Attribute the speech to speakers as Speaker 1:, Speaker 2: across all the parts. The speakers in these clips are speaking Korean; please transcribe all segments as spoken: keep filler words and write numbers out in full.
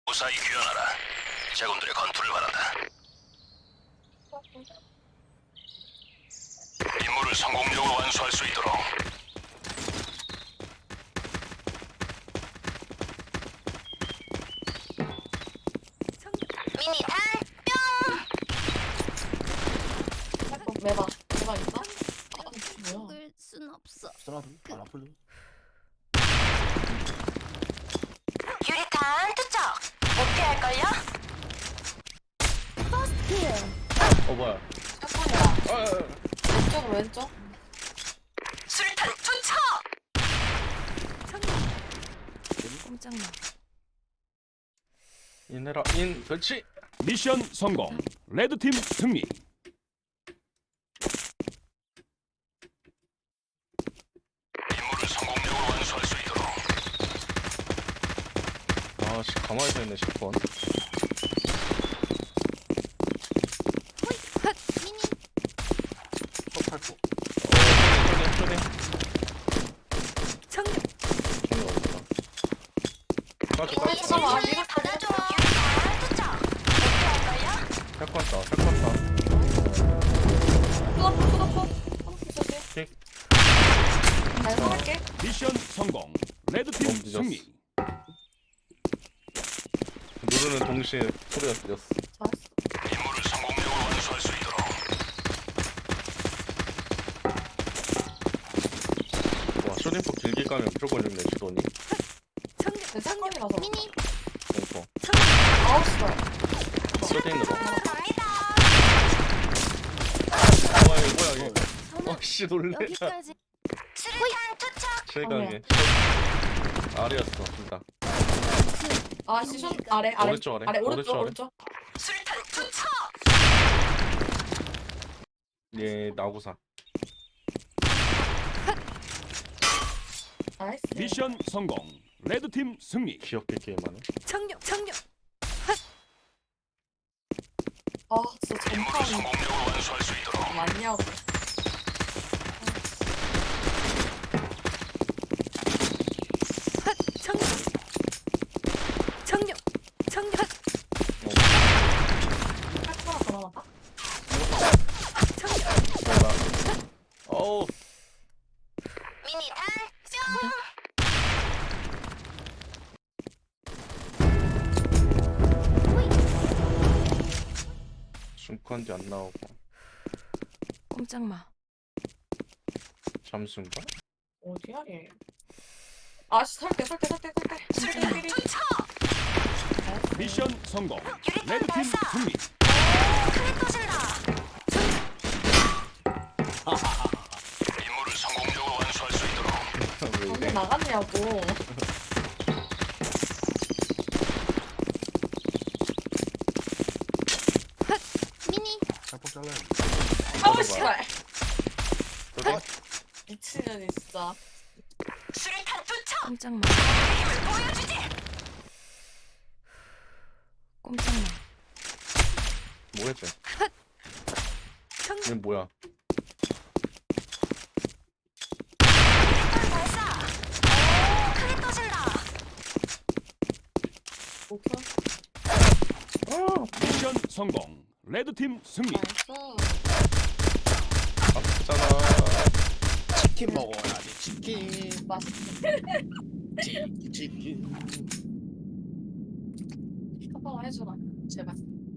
Speaker 1: 무사히 귀환하라. 제군들의 건투를 바란다. 임무를 성공적으로 완수할 수 있도록.
Speaker 2: 미니탄 뿅.
Speaker 3: 매봐 매봐 있어? 아 뭐야?
Speaker 2: 죽을 순 없어.
Speaker 4: 쓰나도 안 아플래?
Speaker 2: 유리탄 투척. 못 피할걸요? 퍼스트 킬.
Speaker 4: 어 뭐야?
Speaker 3: 샷건이야.
Speaker 4: 아, 아, 아.
Speaker 3: 왼쪽으로 왼쪽.
Speaker 2: 술탄 투척. 꼼짝마.
Speaker 4: 인해라 인 그렇지.
Speaker 5: 미션 성공. 레드팀 승리.
Speaker 1: 임무를 성공적으로 완수할 수 있도록.
Speaker 4: 아씨 가만히 서 있네 십 번.
Speaker 2: 호이 헛 미니.
Speaker 4: 턱팔고. 어 쇼딩 쇼딩.
Speaker 2: 청룡.
Speaker 4: 정말 없다. 까지
Speaker 3: 어,
Speaker 4: 까지.
Speaker 3: 잠깐만.
Speaker 2: 미니
Speaker 3: 이거
Speaker 2: 받아줘. 유리탄 투척. 못 피할걸요?
Speaker 4: 샷건다 샷건다.
Speaker 3: 쏟아포 쏟아포. 쏟아포
Speaker 4: 킥.
Speaker 3: 잘 살게.
Speaker 5: 미션 성공. 레드팀
Speaker 4: 너무 늦었어.
Speaker 5: 승리.
Speaker 4: 누르는 동시에 소리가 들렸어.
Speaker 3: 잘했어.
Speaker 1: 임무를 성공적으로 완수할 수 있도록.
Speaker 4: 와 쇼딩폭 길게 까면 무조건 죽네 주돈이.
Speaker 2: 청룡.
Speaker 3: 내 샷건이라서.
Speaker 2: 미니.
Speaker 4: 공포.
Speaker 3: 아홉 시발.
Speaker 4: 쇼딩으로.
Speaker 2: 갑니다.
Speaker 4: 뭐야 이거 뭐야 이거.
Speaker 2: 저는
Speaker 4: 와씨 놀래.
Speaker 2: 여기까지. 수류탄 투척.
Speaker 4: 최강의. 아래였어 둘 다.
Speaker 3: 아 시션 아래 아래
Speaker 4: 오른쪽 아래.
Speaker 3: 아래
Speaker 4: 오른쪽
Speaker 3: 오른쪽
Speaker 4: 아래.
Speaker 3: 오른쪽.
Speaker 2: 수류탄 투척.
Speaker 4: 예 나구사.
Speaker 3: 나이스.
Speaker 5: 미션 성공. 레드팀 승리.
Speaker 4: 귀엽게 게임하네.
Speaker 2: 청룡. 청룡.
Speaker 3: 아 진짜
Speaker 1: 임무를
Speaker 3: 전판
Speaker 1: 성공적으로 완수할 수 있도록.
Speaker 3: 많냐고.
Speaker 2: 헛 청룡. 청룡. 청룡.
Speaker 3: 샷건 하나 더 남았다.
Speaker 2: 청룡.
Speaker 4: 어우.
Speaker 2: 미니탄
Speaker 4: 중컨디 안 나오고.
Speaker 2: 꼼짝마.
Speaker 4: 잠수인가?
Speaker 3: 어디야 얘? 아씨 설대 설대 설대 설대. 설대 삐리.
Speaker 5: 미션 성공. 레드팀 승리.
Speaker 2: 크게 터진다.
Speaker 1: 임무를 성공적으로 완수할 수 있도록.
Speaker 4: 왜
Speaker 3: 방금
Speaker 4: 이래?
Speaker 3: 나갔냐고.
Speaker 2: 미니.
Speaker 4: 살짝 잘라야 돼.
Speaker 3: 아우 씨발.
Speaker 4: 쇼딩?
Speaker 3: 미친년이 진짜.
Speaker 2: 수류탄 투척. 꼼짝마. 보여주지. 꼼짝마.
Speaker 4: 뭐야 쟤?
Speaker 2: 청룡.
Speaker 4: 얘 뭐야?
Speaker 2: 발사. 오, 크게 터진다.
Speaker 3: 오케이.
Speaker 5: 미션 성공. 레드팀 승리.
Speaker 3: 나이스.
Speaker 4: 아프잖아.
Speaker 6: 치킨 먹어야지 치킨
Speaker 3: 맛있어.
Speaker 6: 치- 치킨
Speaker 3: 한 번만 해줘라. 제발.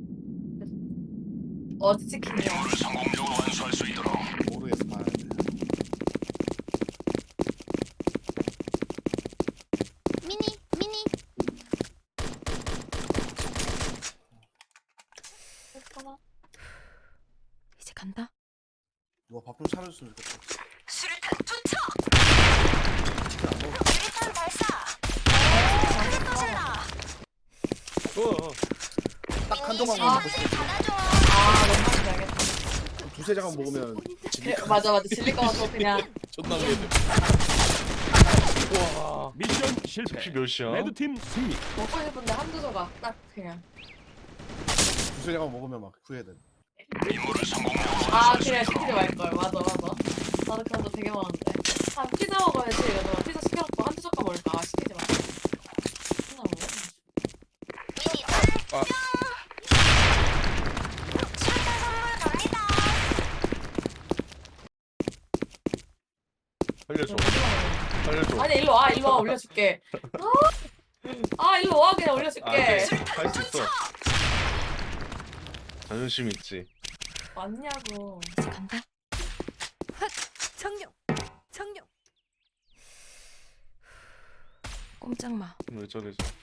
Speaker 3: 어디 치킨이야?
Speaker 1: 임무를 성공적으로 완수할 수 있도록.
Speaker 6: 모르겠어 봐야 돼
Speaker 2: 미니. 미니.
Speaker 3: 했구나.
Speaker 2: 이제 간다.
Speaker 6: 누가 밥 좀 차려줬으면 좋겠다
Speaker 2: 수류탄 투척.
Speaker 6: 치킨 안 먹어
Speaker 2: 수류탄 발사. 오, 크게 터진다.
Speaker 4: 어.
Speaker 6: 딱 한 조각
Speaker 3: 아.
Speaker 6: 먹고 싶어
Speaker 2: 받아줘.
Speaker 3: 아 너무 맛있게 알겠다.
Speaker 6: 두세 장만 먹으면
Speaker 3: 그래,
Speaker 6: 질릴
Speaker 3: 맞아 맞아 질릴 것 같아 그냥.
Speaker 6: 존나 우려돼
Speaker 4: 와.
Speaker 5: 미션 실패.
Speaker 4: 혹시 몇 시야?
Speaker 5: 레드팀 승리.
Speaker 3: 먹고 싶은데 한두 조각 딱 그냥.
Speaker 6: 두세 장만 먹으면 막 후회돼
Speaker 1: 임무를 성공적으로
Speaker 3: 아
Speaker 1: 완수할 수
Speaker 3: 그냥
Speaker 1: 있도록.
Speaker 3: 시키지 말걸. 맞아 맞아. 나도 그런 거 되게 많은데. 아 피자 먹어야지 이러다가 피자 시켜놓고 한두 조각 먹을까. 아 시키지 마. 피자 먹어.
Speaker 4: 아.
Speaker 2: 출대 선물 갑니다.
Speaker 4: 살려줘. 살려줘.
Speaker 3: 아니 일로 와 일로 와 올려줄게. 아, 아 일로 와 그냥 올려줄게.
Speaker 4: 할 수 있어. 자존심 있지.
Speaker 3: 맞냐고.
Speaker 2: 이제 간다. 흑 청룡 청룡. 꼼짝마.
Speaker 4: 왜 저래 저.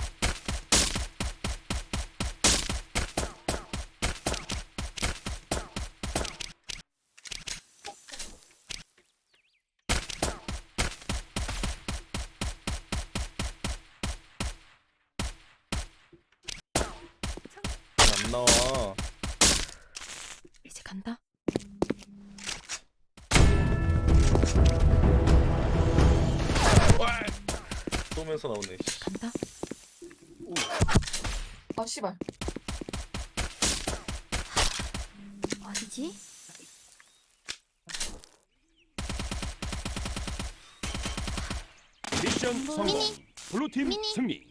Speaker 4: 안 나와.
Speaker 2: 이제 간다.
Speaker 4: 쏘면서 나오네. 씨.
Speaker 2: 간다.
Speaker 3: 아 씨발.
Speaker 2: 어디지?
Speaker 5: 미션 성공. 블루팀
Speaker 2: 미니.
Speaker 5: 승리.